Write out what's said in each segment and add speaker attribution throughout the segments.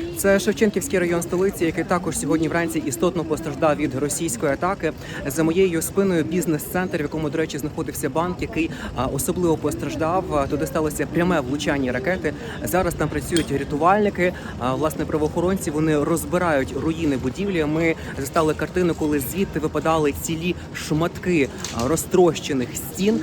Speaker 1: Це Шевченківський район столиці, який також сьогодні вранці істотно постраждав від російської атаки. За моєю спиною бізнес-центр, в якому, до речі, знаходився банк, який особливо постраждав. Туди сталося пряме влучання ракети. Зараз там працюють рятувальники, власне, правоохоронці. Вони розбирають руїни будівлі. Ми застали картину, коли звідти випадали цілі шматки розтрощених стін.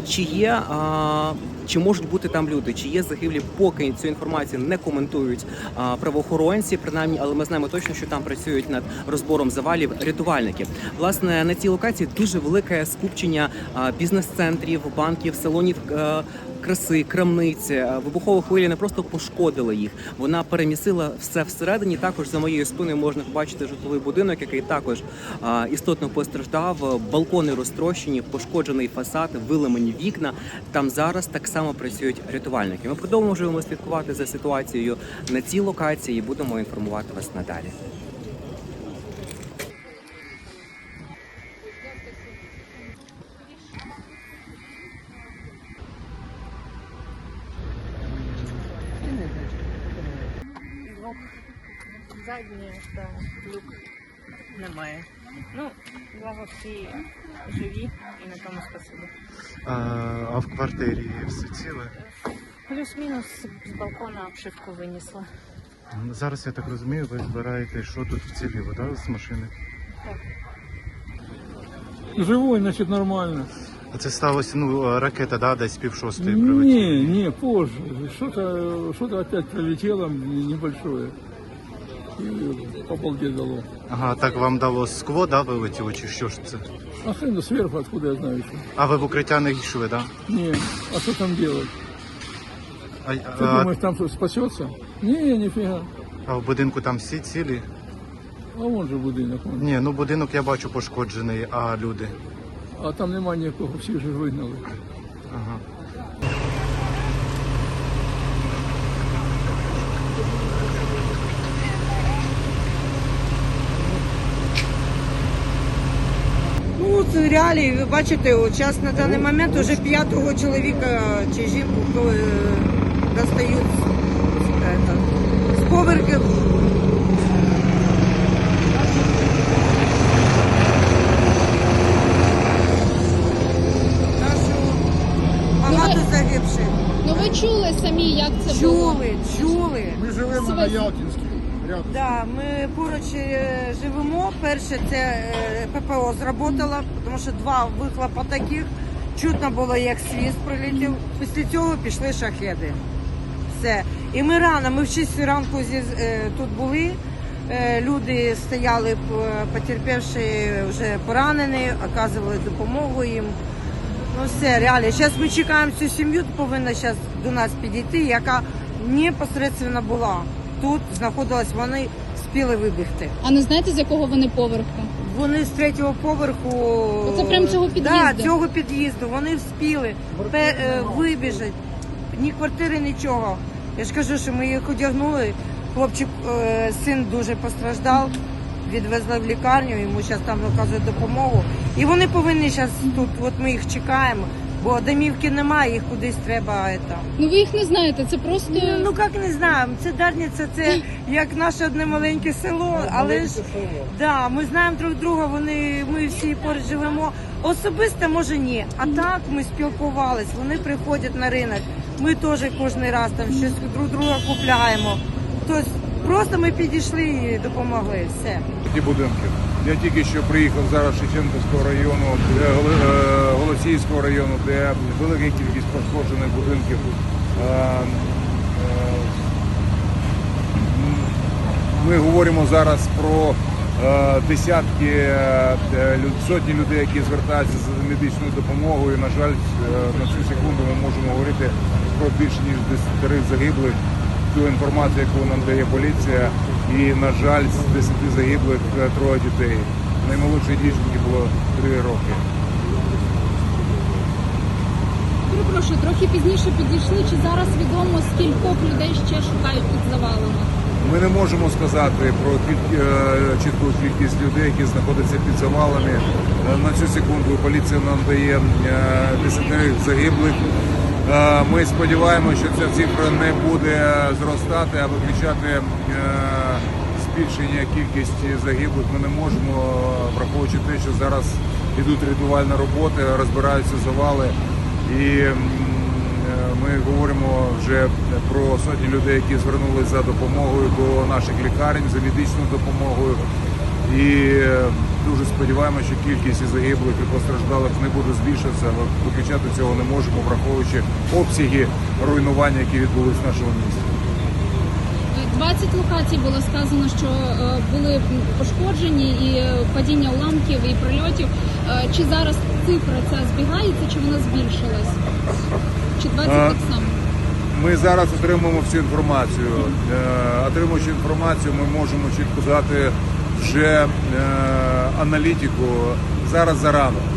Speaker 1: Чи можуть бути там люди, чи є загиблі, поки цю інформацію не коментують правоохоронці, принаймні, але ми знаємо точно, що там працюють над розбором завалів рятувальники. Власне, на цій локації дуже велике скупчення бізнес-центрів, банків, салонів краси, крамниць. Вибухова хвиля не просто пошкодила їх, вона перемісила все всередині. Також за моєю спиною можна побачити житловий будинок, який також істотно постраждав. Балкони розтрощені, пошкоджений фасад, виламані вікна. Там зараз так само працюють рятувальники. Ми продовжуємо слідкувати за ситуацією на цій локації і будемо інформувати вас надалі.
Speaker 2: Задній, так, люк немає. Ну, благо всі живі і на тому спасибі.
Speaker 3: А в квартирі все ціле?
Speaker 2: Плюс-мінус з балкона обшивку винесла.
Speaker 3: Зараз, я так розумію, ви збираєте, що тут вціліло, так, з машини?
Speaker 2: Так.
Speaker 4: Живой, значит, нормально.
Speaker 3: А це сталося, ракета, да, десь 5:30 прилетіла?
Speaker 4: Не, позже. Что-то опять прилетело небольшое. И по балде дало.
Speaker 3: Ага, так вам дало скло, да, вилетіло, чи що ж це?
Speaker 4: А хрен сверху, откуда я знаю еще?
Speaker 3: А ви в укриття не йшли, да?
Speaker 4: Не, а что там делать? Ты
Speaker 3: А
Speaker 4: думаешь, там что, спасется? Не, нифига.
Speaker 3: в будинку там всі цілі?
Speaker 4: А вон же будинок. Вон.
Speaker 3: Ні, будинок я бачу пошкоджений, а люди?
Speaker 4: А там нема ніякого, всіх же вигнали.
Speaker 3: Ага.
Speaker 5: Ну, це реалії, ви бачите, от зараз на даний момент вже 5-го чоловіка чи жінку достають з поверхів. Так що багато загибших.
Speaker 6: Ну ви чули самі, як це було?
Speaker 5: Чули.
Speaker 4: Ми живемо на Ялтинській.
Speaker 5: Да, ми поруч живемо. Перше це ППО зработало, тому що 2 вихлопа таких. Чутно було, як свіст прилетів. Після цього пішли шахеди. Все. І ми рано, ми в 6 ранку тут були. Люди стояли, потерпівши, вже поранені, оказували допомогу їм. Ну все, реально. Зараз ми чекаємо цю сім'ю, повинна зараз до нас підійти, яка непосередньо була. Тут знаходилась, вони спіли вибігти.
Speaker 6: А не знаєте, з якого вони поверху?
Speaker 5: Вони з 3-го поверху.
Speaker 6: Оце прямо цього під'їзду?
Speaker 5: Так, цього під'їзду. Вони вспіли вибіжати. Ні квартири, нічого. Я ж кажу, що ми їх одягнули. Хлопчик, син дуже постраждав. Відвезли в лікарню, йому зараз там оказують допомогу. І вони повинні зараз тут, от ми їх чекаємо. Бо домівки немає, їх кудись треба.
Speaker 6: Ну ви їх не знаєте, це просто...
Speaker 5: Ну як не знаю, це Дарниця, це як наше одне маленьке село, але ж да, ми знаємо друг друга, ми всі поруч живемо. Особисто, може, ні, а так ми спілкувались, вони приходять на ринок, ми теж кожен раз там щось друг друга купляємо. Тобто просто ми підійшли і допомогли, все.
Speaker 7: Ті будинки. Я тільки що приїхав зараз з Шевченківського району, Голосіївського району, де велика кількість пошкоджених будинків. Ми говоримо зараз про десятки, сотні людей, які звертаються за медичною допомогою. На жаль, на цю секунду ми можемо говорити про більше ніж 10 загиблих. Ту інформацію, яку нам дає поліція, і, на жаль, з 10 загиблих 3 дітей. Наймолодшій дівчинці було 3 роки.
Speaker 6: Перепрошую, трохи пізніше підійшли. Чи зараз відомо, скількох людей ще шукають під завалами?
Speaker 7: Ми не можемо сказати про чітку кількість людей, які знаходяться під завалами. На цю секунду поліція нам дає 10 загиблих Ми сподіваємося, що ця цифра не буде зростати, а виключати збільшення кількості загиблих ми не можемо, враховуючи те, що зараз йдуть рятувальні роботи, розбираються завали. І ми говоримо вже про сотні людей, які звернулися за допомогою до наших лікарень, за медичною допомогою. І дуже сподіваємося, що кількість і загиблих і постраждалих не буде збільшуватися, але виключати цього не можемо, враховуючи обсяги руйнування, які відбулись в нашому місті.
Speaker 6: 20 локацій було сказано, що були пошкоджені, і падіння уламків, і прильотів. Чи зараз цифра ця збігається, чи вона збільшилась? Чи 20 так само?
Speaker 7: Ми зараз отримуємо всю інформацію. Отримуючи інформацію, ми можемо чітко дати вже аналітику. Зараз зарано.